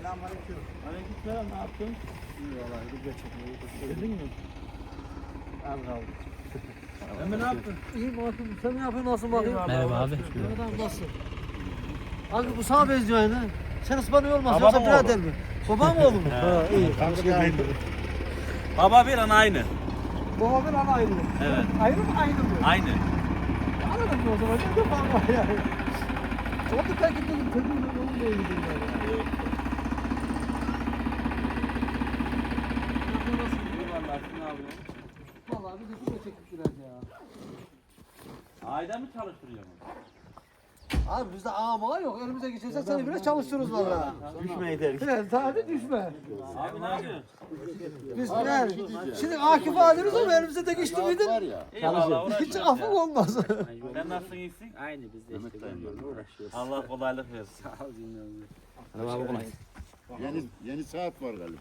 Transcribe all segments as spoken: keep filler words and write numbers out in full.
Selamünaleyküm. Aleykümselam, ne yaptın? İyi vallahi video çekmeyi Yedin mi? Az kaldı. Emre ne yaptın? İyi bakın. Sen ne yapıyorsun? Nasıl bakayım? Merhaba abi. Mehmet abi nasıl? Abi bu sana benziyor aynı. Sen ıspanıyor olmaz. Babam Yoksa birader mi? Babam mı oğlum? Ha iyi. Kanka aynı. Baba bir ana aynı. Baba bir ana aynı. Evet. Ayrı mı aynı mı? Aynı. Anladın mı o zaman? Ne de fark var yani. O da terk etmedim. Çocuğun oğlum da öyle değil yani. Vallahi bir de şuraya çekip biraz ya. Ayda mı çalıştırıyorsun? Abi bizde ama yok. Elimize geçirse seni biraz çalıştırırız valla. Düşmeyi derik. Evet, sadece düşme. Abi ne yapıyorsun? Biz yani, şimdi Akif alırız ama elimize de geçti miydi? Eyvallah, Hiç uğraşıyoruz affı ya. olmaz. Sen nasılsın, iyisin? Aynı biz de işte böyle uğraşıyoruz. Allah kolaylık versin. Sağ ol dinliyorum. Hadi kolay. Yeni yeni saat var galiba.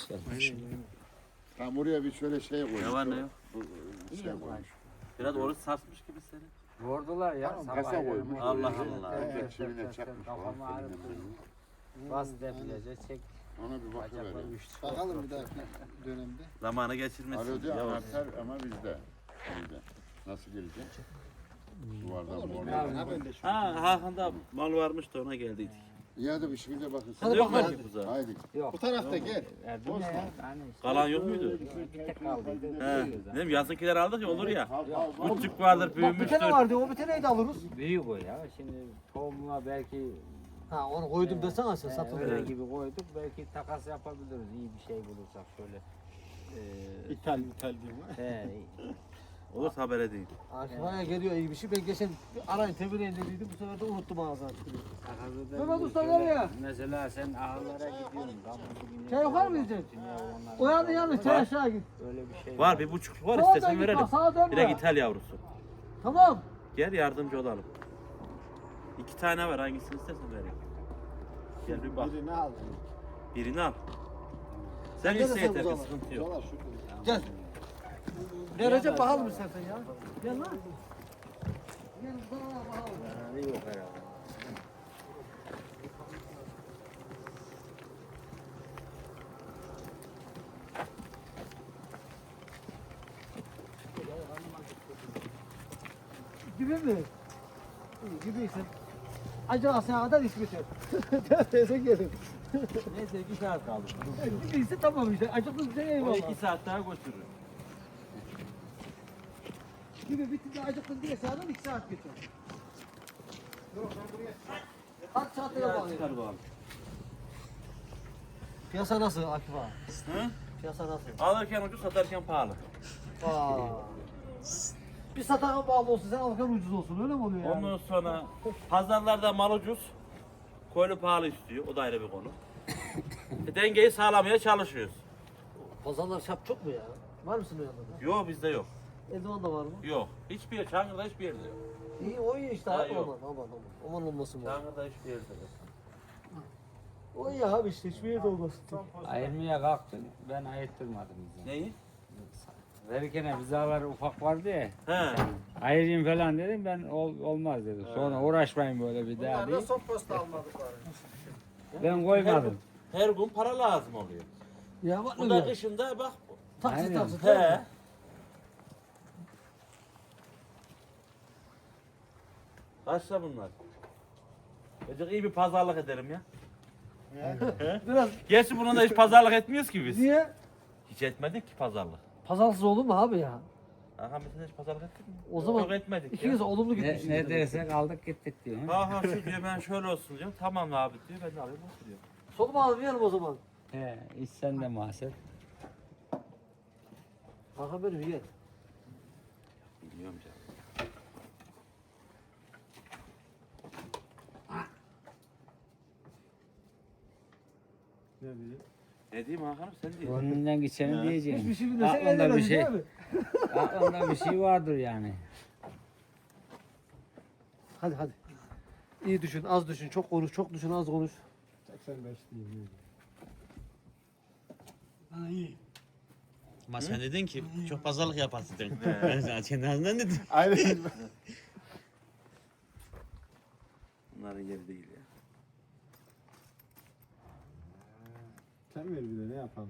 Tam oraya bir şöyle şey koymuş. Ne var ne yok? Bu, Şey koymuş. Biraz oruç sarsmış gibi seni. Vurdular ya. Tamam, sabah kasa ya. koymuş. Allah Allah. Evet, çivine çakmış. Kafamı ağrıttı. Bas defilece çek. Ona bir Bacaklar bakıverelim. uyuştu. Bakalım bir dahaki dönemde. Zamanı geçirmesin. Alo diyor Yavaş. anahtar ama bizde. Bizde. Nasıl girecek? Duvardan Olur bu ne oradan. ha ben de şu. Ha, Hakan'da mal varmış da ona geldik. İyi hadi bir şekilde bakın. Hadi Yok mu bakalım. ki buzağı? Haydi. Bu tarafta gel. Ya bu ne ya? Yani işte Kalan yok muydu? bir tek kaldıydı. He. Dedim yazınkiler aldık ya olur ya. Al, al, al. Küçük vardır, Bak bir büyümüştür. tane vardı, o bir taneyi de alırız. Büyük o ya. Şimdi tohumuna belki Ha onu koydum desene sen e, satın. öyle gibi koyduk. Belki takas yapabiliriz. İyi bir şey bulursak şöyle. E, İthal ithal diyeyim. he, Olursa haber edeyim. Akifa'ya geliyor iyi bir şey. Ben geçen arayın tebliğ dediydim, bu sefer de unuttum ağzına. takası da Mehmet bir Usta şöyle- nereye? Mesela sen ahırlara gidiyorsun. Kabuklu güneş Çay yukarı mı var, yiyeceksin? dünya onların- O yanı yanı çay aşağı git. Öyle bir şey Var bir buçuk var Sağa istesen dön git verelim. bak, sağa dönme. Bir de İthal yavrusu. Tamam. Gel yardımcı olalım. İki tane var hangisini istersen vereyim. Gel bir bak. Birini aldım. Birini al. Sen Sen de iste sen yeter ki uzama. sıkıntı yok. Dolar şurada. Gel. Gel Recep bakalım istersen ya. Gel lan. Gel bana bakalım. Yani yok herhalde. Gibi mi? İyi gibiysin. Acaba sen kadar iş bitir. Teyze gelin. Neyse iki saat kaldı. Gibiyse tamam işte. Acıklı bir şey O eyvallah. iki saat daha götürür. Gibi bitince acıktın diye sağdan iki saat geçer. Kaç saatte Biraz yapalım? çıkar bakalım. Piyasa nasıl Akif ağa? Hı? Piyasa nasıl? Alırken ucuz satarken pahalı. Aa. Bir satana bağlı olsun, sen alırken ucuz olsun, öyle mi oluyor yani? Ondan sonra pazarlarda mal ucuz. Koyunu pahalı istiyor. O da ayrı bir konu. E, dengeyi sağlamaya çalışıyoruz. Pazarlar şap çok mu ya? Var mısın o yanında da? Yok bizde yok. Eldivan da var mı? Yok. Hiçbir yer, Çankırı'da hiçbir yerde yok. İyi, o iyi işte Ha, abi, yok. aman aman aman. Aman olmasın var. Çankırı'da hiçbir yerde yok. O iyi abi işte, hiçbir yerde olmasın. Ayırmaya kalktın, ben ayırttırmadım bizi. Neyi? Verirken vizalar ufak vardı ya, He. ayırayım falan dedim, ben ol, olmaz dedim. Sonra uğraşmayın böyle bir daha Bunlar da diye. son posta almadık bari. Ben koymadım. Her gün para lazım oluyor. Ya bak Bu ne da güzel. kışında bak. Taksit Aynen. taksit. He. Kaçta bunlar? Çocuk iyi bir pazarlık ederim ya. Biraz Gerçi bununla da hiç pazarlık etmiyoruz ki biz. niye? Hiç etmedik ki pazarlık. Pazarlıksız olur mu abi ya? Aha mesela hiç pazarlık ettik mi? O zaman Yok etmedik İkiniz de ya. olumlu Ne, gitmişsiniz. ne dersek aldık gittik diyor. ha? Ha ha şu diyor ben şöyle olsun diyorum. Tamam abi diyor ben de alayım oturuyor. Solumu almayalım o zaman. He, iş sende mahset. Hakan benim iyi. Bilmiyorum canım. Ne diyeyim Hakan'ım sen diyorsun. Gönlünden geçeni diyeceğim. Hiçbir şey bilmesen Aklında bir eğlenemez şey, değil mi? aklında bir şey vardır yani. Hadi hadi. İyi düşün, az düşün, çok konuş, çok düşün, az konuş. seksen beş diyeyim. Ama sen dedin ki çok pazarlık yaparsın dedin. Ben sana kendi ağzından dedim. Aynen. Bunların yeri değil ya. Sen ver bir de ne yapalım?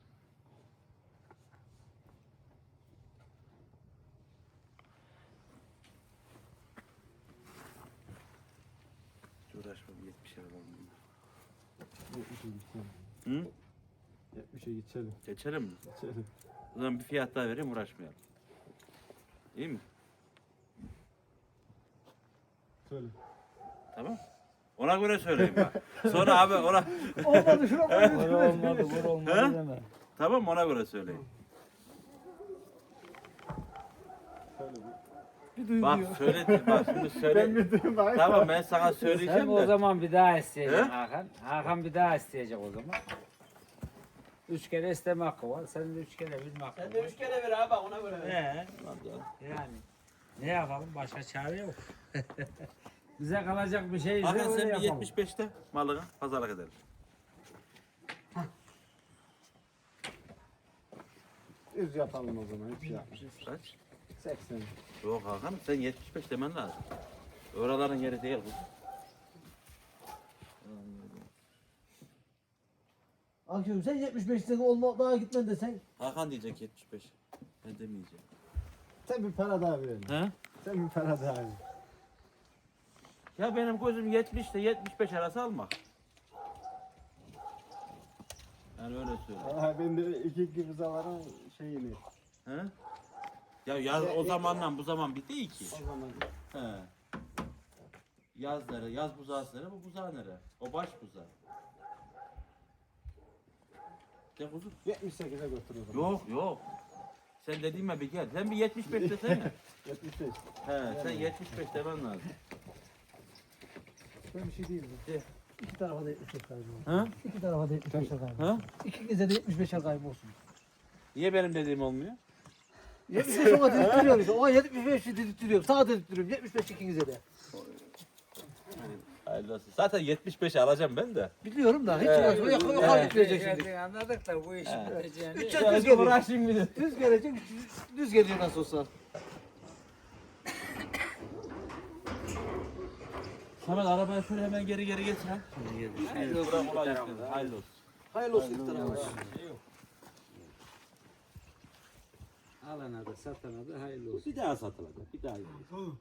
Uğraşma bir yetmişe alalım. yetmişe geçelim. Hı? yetmişe geçelim. Geçelim mi? Geçelim. O zaman bir fiyat daha vereyim uğraşmayalım. İyi mi? Söyle. Tamam. Ona göre söyleyeyim bak. Sonra abi ona... Olmadı şuna koyuyoruz. Vur olmadı, vur olmadı He? deme. Tamam ona göre söyleyeyim. Söyle bir. Bir duygu Bak diyor. söyle, bak şimdi söyle. Ben bir duyayım bari. Tamam ben sana Sen söyleyeceğim o de. zaman bir daha isteyeceksin He? Hakan. Hakan bir daha isteyecek o zaman. Üç kere isteme hakkı var. Senin de üç kere bilme hakkı var. kere ver abi ona göre He. Yani ne yapalım? Başka çare yok. Bize kalacak bir şey ise Hakan öyle sen bir yapalım. yetmiş beşte malına pazarlık edelim. Yüz yapalım o zaman. Hiçbir şey yapmayalım. Kaç? seksen. Yok Hakan sen yetmiş beş demen lazım. Oraların yeri değil bu. Akşam sen yetmiş beşte olma daha gitmen desen. Hakan diyecek yetmiş beş. Ben demeyeceğim. Sen bir para daha verelim. He? Sen bir para daha ver. Ya benim gözüm yetmiş ile yetmiş beş arası almak. Yani öyle söyle. Aha ben de iki iki buzaların şeyini. He? Ya yaz o zamandan bu zaman bir değil ki. O zaman He. Yaz nere? Yaz buzağı nere? Bu buzağı nere? O baş buzağı. De kuzum. yetmiş sekize götür o zaman. Yok yok. Sen dediğime bir gel. Sen bir yetmiş beş desene. yetmiş beş. He sen yetmiş beş demen lazım. Ben bir şey diyeyim mi? De. İki tarafa da yetmiş beş kaybı olsun. Ha? İki tarafa da yetmiş beş kaybı Ha? olsun. İkinize de yetmiş beşer kaybı olsun. Niye benim dediğim olmuyor? yetmiş beş ona dedirtiyorum işte. Ona yetmiş beşi dedirtiyorum. Sana dedirtiyorum. yetmiş beş ikinize de. Hayırlı olsun. Zaten yetmiş beşi alacağım ben de. Biliyorum da hiç Evet. uğraşma. Yok yok Evet. gitmeyecek şimdi. Yani anladık da bu işin He. biteceğini. Üç Ya, düz geliyor. uğraşayım bir de. Düz gelecek. Düz geliyor nasıl olsa. Samet arabayı şöyle hemen geri geri getir ha. Hayırlı olsun. Hayırlı olsun. Hayırlı olsun iki tarafa. Alana da satana da hayırlı olsun. Bir daha satılacak. Bir daha yiyeceğiz.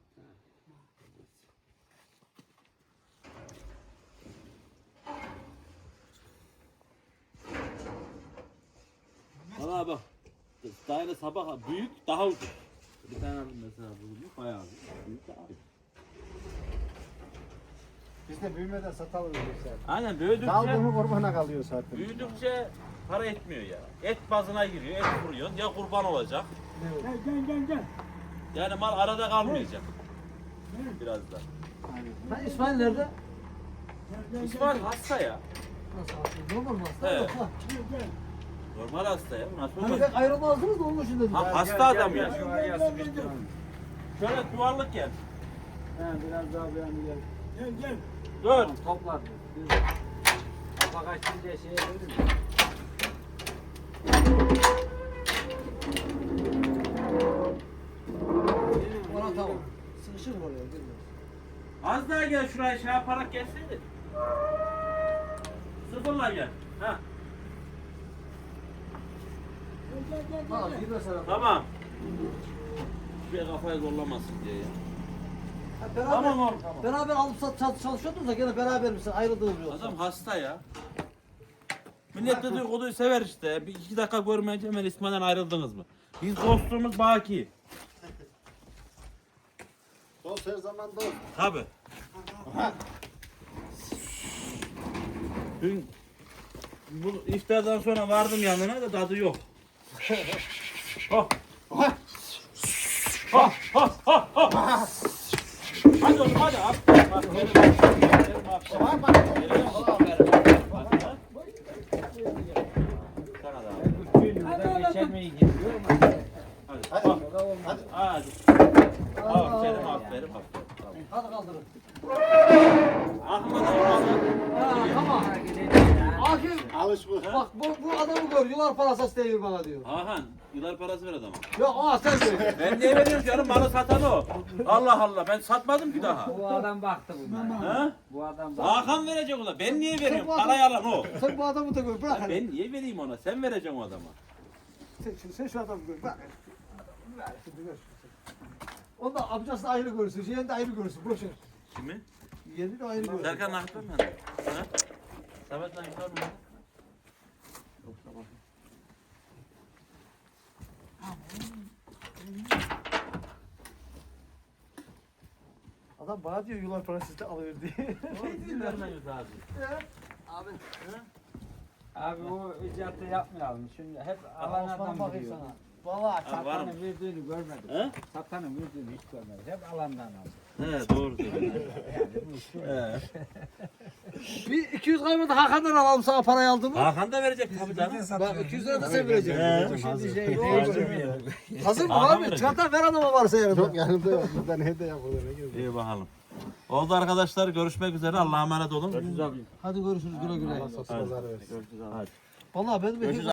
Valla bak. Daire sabah büyük daha ucuz. Bir tane mesela bulunmuş bayağı büyük daha ucuz. Biz de büyümeden satalım yoksa. Aynen büyüdükçe, Dal bunu kurbana kalıyor zaten. büyüdükçe para etmiyor ya. Et bazına giriyor, et vuruyor. Ya kurban olacak. Gel gel gel. Yani mal arada kalmayacak. Biraz da. Ha İsmail nerede? İsmail hasta ya. Nasıl hasta? Normal mı hasta? Evet. Yoksa. Normal hasta ya. Nasıl Hani olacak? pek ayrılmazdınız da onun için dedim. Ha, hasta adam ya. Şu var ya sıkıştıralım. Şöyle yuvarlak gel. He biraz daha beğendi gel. Dur. Toplar. Kafa kaçtı diye şeye verir mi? Ona tamam. Sıkışır mı oraya? Bilmiyorum. Az daha gel şuraya şey yaparak gelseydin. Sıfırla gel. Ha. Ha bir mesela. Tamam. Bir kafayı zorlamasın diye ya. Ha, beraber, Tamam oğlum, tamam. Beraber alıp sat, sat, çalışıyordunuz da gene beraber misin? Ayrıldınız mı yoksa? Adam hasta ya. Millet de dedikoduyu sever işte. Bir iki dakika görmeyince hemen İsmail'den ayrıldınız mı? Biz dostluğumuz baki. Dost her zaman dost. Tabi. Dün bu iftardan sonra vardım yanına da tadı yok. Oh. Ha ha ha ha. Hadi oğlum hadi. Aferin, aferin, aferin, aferin. Sana da aferin. Burada geçirmeyi gidiyor ama. Hadi. Hadi. Hadi. Aferin, aferin, aferin. Tamam. Hadi kaldırın. Aklıma da olmaz. Ha, tamam. Akif Alışmış. bak bu, bu adamı gör. Yıllar parası istemiyor bana diyor. Hakan, yıllar parası ver adama. Yok aa sen söyle. Ben niye veriyorum canım? Malı satan o. Allah Allah, ben satmadım ki daha. Bu adam baktı bunlara. Ha? Bu adam baktı. Hakan verecek ona. Ben niye veriyorum? bu adam- Parayı alan o. Sen bu adamı da gör. Bırak. Ben niye vereyim ona? Sen vereceksin o adama. Sen, sen, sen şu adamı gör. Bak. Ver şimdi gör. Onda amcası da ayrı görürsün. Yeğeni de ayrı görürsün. Boş ver. Kimi? Yeğeni de ayrı görürsün. Serkan nakit var mı? Ha? Samet nakit var mı? Yok, tamam. Adam bana diyor yıllar parası iste alıyor diye. Doğru, vermeyiz abi. Abi. Abi o icatı yapmayalım. Şimdi hep alan Osman adam bakayım biliyor. sana. Vallahi Ha, var mı? Satanın verdiğini görmedik. He? Satanın verdiğini hiç görmedik. Hep alandan aldık. He, doğru söylüyorsun. He. bir iki yüz kaymadı Hakan'dan alalım sana parayı aldı mı? Hakan da verecek tabii canım. Bak iki yüz lira da sen vereceksin. Şimdi şey Hazır mı Hakan abi? verecek. Çanta ver adama varsa yanında. Yok yanımda yok. Bizden hediye yapılır. İyi bakalım. Oldu arkadaşlar, görüşmek üzere. Allah'a emanet olun. Hadi görüşürüz güle güle. Allah satın pazarı versin. Vallahi ben de